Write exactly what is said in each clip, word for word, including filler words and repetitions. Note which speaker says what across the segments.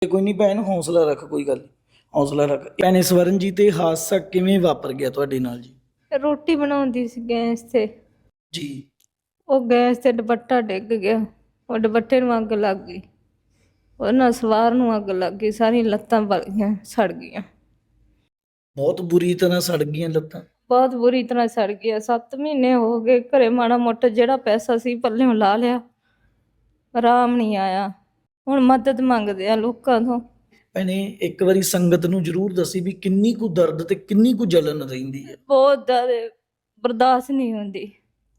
Speaker 1: ਕੋਈ ਨਹੀਂ ਭੈਣ, ਹੌਸਲਾ ਰੱਖ, ਕੋਈ ਗੱਲ ਨੀ, ਹੌਸਲਾ ਰੱਖ। ਭੈਣੇ ਸਵਰਨਜੀਤ, ਇਹ ਹਾਦਸਾ ਕਿਵੇਂ ਵਾਪਰ ਗਿਆ ਤੁਹਾਡੇ ਨਾਲ ਜੀ?
Speaker 2: ਰੋਟੀ ਬਣਾਉਂਦੀ ਸੀ ਗੈਸ ਤੇ,
Speaker 1: ਜੀ।
Speaker 2: ਉਹ ਗੈਸ ਤੇ ਦੁਪੱਟਾ ਡਿੱਗ ਗਿਆ, ਉਹ ਦੁਪੱਟੇ ਨੂੰ ਅੱਗ ਲੱਗ ਗਈ, ਉਹਨਾਂ ਸਵਾਰ ਨੂੰ ਅੱਗ ਲੱਗ ਗਈ, ਸਾਰੀਆਂ ਲੱਤਾਂ ਬਲ ਗਈਆਂ, ਸੜ ਗਈਆਂ,
Speaker 1: ਬਹੁਤ ਬੁਰੀ ਤਰ੍ਹਾਂ ਸੜ ਗਈਆਂ ਲੱਤਾਂ?
Speaker 2: ਬਹੁਤ ਬੁਰੀ ਤਰ੍ਹਾਂ ਸੜ ਗਿਆ। ਸੱਤ ਮਹੀਨੇ ਹੋ ਗਏ ਘਰੇ, ਮਾੜਾ ਮੋਟਾ ਜਿਹੜਾ ਪੈਸਾ ਸੀ ਪੱਲਿਓਂ ਲਾ ਲਿਆ, ਆਰਾਮ ਨਹੀਂ ਆਇਆ। ਹੁਣ ਮਦਦ ਮੰਗਦੇ ਆ ਲੋਕਾਂ ਤੋਂ।
Speaker 1: ਭੈਣੇ ਇੱਕ ਵਾਰੀ ਸੰਗਤ ਨੂੰ ਜ਼ਰੂਰ ਦੱਸੀ ਵੀ ਕਿੰਨੀ ਕੁ ਦਰਦ ਤੇ ਕਿੰਨੀ ਕੁ ਜਲਨ ਰਹਿੰਦੀ ਹੈ।
Speaker 2: ਬਹੁਤ ਜ਼ਿਆਦਾ ਬਰਦਾਸ਼ਤ ਨਹੀਂ ਹੁੰਦੀ।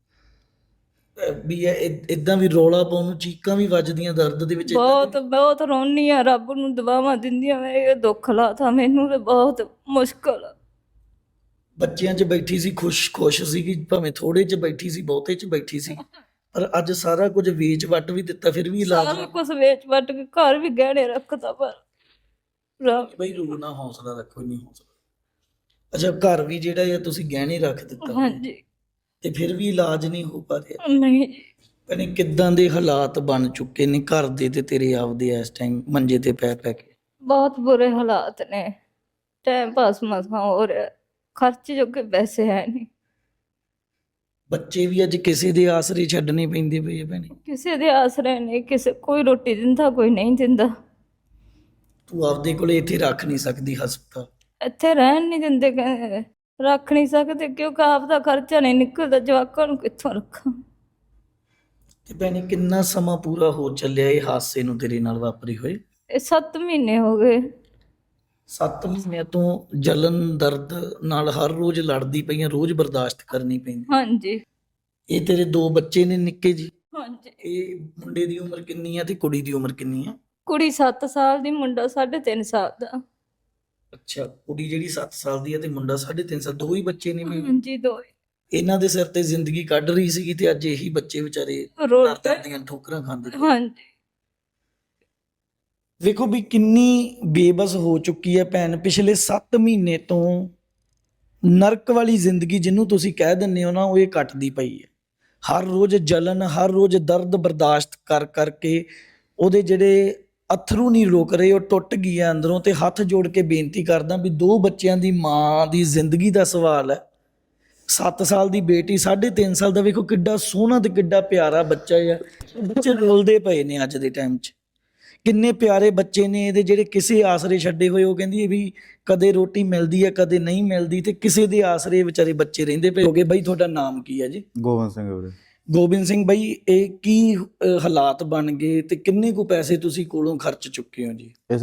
Speaker 1: ਅਹ ਵੀ ਇਹ ਇਦਾਂ ਵੀ ਰੌਲਾ ਪਾਉਣ ਨੂੰ ਚੀਕਾਂ ਵੀ ਵੱਜਦੀਆਂ ਦਰਦ ਦੇ ਵਿੱਚ? ਏਦਾਂ
Speaker 2: ਬਹੁਤ ਬਹੁਤ ਰੋਨੀ ਆ, ਰੱਬ ਨੂੰ ਦੁਆਵਾਂ ਦਿੰਦੀਆਂ, ਮੈਂ ਇਹ ਦੁੱਖ ਲਾਤਾ ਮੈਨੂੰ ਤੇ ਬਹੁਤ ਮੁਸ਼ਕਲ ਆ।
Speaker 1: ਬੱਚਿਆਂ 'ਚ ਬੈਠੀ ਸੀ, ਖੁਸ਼ ਖੁਸ਼ ਸੀਗੀ, ਭਾਵੇਂ ਥੋੜੇ 'ਚ ਬੈਠੀ ਸੀ, ਬਹੁਤੇ 'ਚ ਬੈਠੀ ਸੀ, ਪਰ ਅੱਜ ਸਾਰਾ ਕੁਝ ਵੇਚ ਵੱਟ ਵੀ ਦਿੱਤਾ, ਫਿਰ ਵੀ ਇਲਾਜ
Speaker 2: ਸਾਰਾ ਕੁਛ ਵੇਚ ਵੱਟ ਕੇ ਘਰ ਵੀ ਗਹਿਣੇ ਰੱਖਦਾ, ਪਰ ਰੱਬ-
Speaker 1: ਬਈ ਰੋ ਨਾ, ਹੌਸਲਾ ਰੱਖੋ, ਨਹੀਂ ਹੌਸਲਾ। ਅੱਛਾ, ਘਰ ਵੀ ਜਿਹੜਾ ਆ ਤੁਸੀਂ ਗਹਿਣੇ ਰੱਖ ਦਿੱਤਾ
Speaker 2: ਹਾਂਜੀ।
Speaker 1: ਤੇ ਫਿਰ ਵੀ ਇਲਾਜ ਨਹੀਂ ਹੋ ਪਾ ਰਿਹਾ?
Speaker 2: ਨਹੀਂ ਜੀ,
Speaker 1: ਭੈਣੇ ਕਿੱਦਾਂ ਦੇ ਹਾਲਾਤ ਬਣ ਚੁੱਕੇ ਨੇ ਘਰ ਦੇ ਤੇ ਤੇਰੇ ਆਪਦੇ ਇਸ ਟਾਈਮ ਮੰਜੇ ਤੇ ਪੈ ਪੈ ਕੇ?
Speaker 2: ਬਹੁਤ ਬੁਰੇ ਹਾਲਾਤ ਨੇ, ਟਾਈਮ ਪਾਸ ਮਸਾਂ ਹੋ ਰਿਹਾ, ਖਰਚ ਜੋਗੇ ਪੈਸੇ ਹੈ ਨਹੀਂ।
Speaker 1: ਬੱਚੇ ਵੀ ਅੱਜ ਕਿਸੇ ਦੇ ਆਸਰੇ ਛੱਡਣੇ ਪੈਂਦੇ ਪਏ ਆ ਭੈਣੇ।
Speaker 2: ਕਿਸੇ ਦੇ ਆਸਰੇ ਨਹੀਂ, ਕਿਸੇ ਕੋਈ ਰੋਟੀ ਦਿੰਦਾ, ਕੋਈ ਨਹੀਂ ਦਿੰਦਾ।
Speaker 1: ਤੂੰ ਆਪਦੇ ਕੋਲੇ ਇੱਥੇ ਰੱਖ ਨਹੀਂ ਸਕਦੀ ਹਸਪਤਾਲ?
Speaker 2: ਇੱਥੇ ਰਹਿਣ ਨਹੀਂ ਦਿੰਦੇ, ਕਹਿੰਦੇ ਰੱਖ ਨਹੀਂ ਸਕਦੇ ਕਿਉਂਕਿ ਆਪ ਦਾ ਖਰਚਾ ਨਹੀਂ ਨਿਕਲਦਾ, ਜਵਾਕਾਂ ਨੂੰ ਕਿੱਥੋਂ ਰੱਖਾਂ।
Speaker 1: ਤੇ ਭੈਣੇ ਕਿੰਨਾ ਸਮਾਂ ਪੂਰਾ ਹੋ ਚੱਲਿਆ ਇਹ ਹਾਦਸੇ ਨੂੰ ਤੇਰੇ ਨਾਲ ਵਾਪਰੇ ਹੋਏ?
Speaker 2: ਇਹ ਸੱਤ ਮਹੀਨੇ ਹੋ ਗਏ।
Speaker 1: ਸੱਤ ਮਹੀਨਿਆਂ ਤੋਂ ਜਲਨ ਦਰਦ ਨਾਲ ਹਰ ਰੋਜ਼ ਲੜਦੀ ਪਈਆਂ, ਰੋਜ਼ ਬਰਦਾਸ਼ਤ ਕਰਨੀ ਪੈਂਦੀ?
Speaker 2: ਹਾਂਜੀ
Speaker 1: ਇਹ ਤੇਰੇ ਦੋ ਬੱਚੇ ਨੇ ਨਿੱਕੇ ਜੀ?
Speaker 2: ਹਾਂਜੀ।
Speaker 1: ਇਹ ਮੁੰਡੇ ਦੀ ਉਮਰ ਕਿੰਨੀ ਆ ਤੇ ਕੁੜੀ ਦੀ ਉਮਰ ਕਿੰਨੀ ਆ?
Speaker 2: ਕੁੜੀ ਸੱਤ ਸਾਲ ਦੀ, ਮੁੰਡਾ ਸਾਢੇ ਤਿੰਨ ਸਾਲ ਦਾ।
Speaker 1: ਅੱਛਾ, ਕੁੜੀ ਜਿਹੜੀ ਸੱਤ ਸਾਲ ਦੀ ਆ ਤੇ ਮੁੰਡਾ ਸਾਢੇ ਤਿੰਨ ਸਾਲ, ਦੋ ਹੀ ਬੱਚੇ ਨੇ? ਵੀ
Speaker 2: ਹਾਂਜੀ, ਦੋ ਹੀ।
Speaker 1: ਇਹਨਾਂ ਦੇ ਸਿਰ ਤੇ ਜ਼ਿੰਦਗੀ ਕੱਢ ਰਹੀ ਸੀਗੀ ਤੇ ਅੱਜ ਇਹੀ ਬੱਚੇ ਵਿਚਾਰੇ
Speaker 2: ਰੋਡ
Speaker 1: ਦਰ
Speaker 2: ਤੇ।
Speaker 1: ਦਰ ਦੀਆਂ ਠੋਕਰਾਂ ਖਾਂਦੇ ਪਏ।
Speaker 2: ਹਾਂਜੀ।
Speaker 1: ਵੇਖੋ ਵੀ ਕਿੰਨੀ ਬੇਬਸ ਹੋ ਚੁੱਕੀ ਹੈ ਭੈਣ, ਪਿਛਲੇ ਸੱਤ ਮਹੀਨੇ ਤੋਂ ਨਰਕ ਵਾਲੀ ਜ਼ਿੰਦਗੀ ਜਿਹਨੂੰ ਤੁਸੀਂ ਕਹਿ ਦਿੰਦੇ ਹੋ ਨਾ, ਉਹ ਇਹ ਕੱਟਦੀ ਪਈ ਹੈ। ਹਰ ਰੋਜ਼ ਜਲਨ, ਹਰ ਰੋਜ਼ ਦਰਦ ਬਰਦਾਸ਼ਤ ਕਰ ਕਰਕੇ ਉਹਦੇ ਜਿਹੜੇ ਅਥਰੂ ਨਹੀਂ ਰੁਕ ਰਹੇ, ਉਹ ਟੁੱਟ ਗਈ ਹੈ ਅੰਦਰੋਂ। ਤੇ ਹੱਥ ਜੋੜ ਕੇ ਬੇਨਤੀ ਕਰਦਾ ਵੀ ਦੋ ਬੱਚਿਆਂ ਦੀ ਮਾਂ ਦੀ ਜ਼ਿੰਦਗੀ ਦਾ ਸਵਾਲ ਹੈ। ਸੱਤ ਸਾਲ ਦੀ ਬੇਟੀ, ਸਾਢੇ ਤਿੰਨ ਸਾਲ ਦਾ, ਵੇਖੋ ਕਿੱਡਾ ਸੋਹਣਾ ਤੇ ਕਿੱਡਾ ਪਿਆਰਾ ਬੱਚਾ ਹੈ। ਬੱਚੇ ਰੋਲਦੇ ਪਏ ਨੇ ਅੱਜ ਦੇ ਟਾਈਮ 'ਚ, ਕਿੰਨੇ ਪਿਆਰੇ ਬੱਚੇ ਨੇ ਇਹਦੇ ਜਿਹੜੇ ਕਿਸੇ ਆਸਰੇ ਛੱਡੇ ਹੋਏ। ਉਹ ਕਹਿੰਦੀ ਹੈ ਵੀ ਕਦੇ ਰੋਟੀ ਮਿਲਦੀ ਹੈ, ਕਦੇ ਨਹੀਂ ਮਿਲਦੀ, ਤੇ ਕਿਸੇ ਦੇ ਆਸਰੇ ਵਿਚਾਰੇ ਬੱਚੇ ਰਹਿੰਦੇ ਪਏ ਹੋਗੇ। ਬਾਈ ਤੁਹਾਡਾ ਨਾਮ ਕੀ ਹੈ ਜੀ?
Speaker 3: ਗੋਬਿੰਦ ਸਿੰਘ ਵੀਰੇ।
Speaker 1: ਗੋਬਿੰਦ ਸਿੰਘ ਬਾਈ, ਇਹ ਕੀ ਅ, ਹਾਲਾਤ ਬਣ ਗਏ ਤੇ ਕਿੰਨੇ ਕੁ ਪੈਸੇ ਤੁਸੀਂ ਕੋਲੋਂ ਖਰਚ ਚੁੱਕੇ ਹੋ ਜੀ?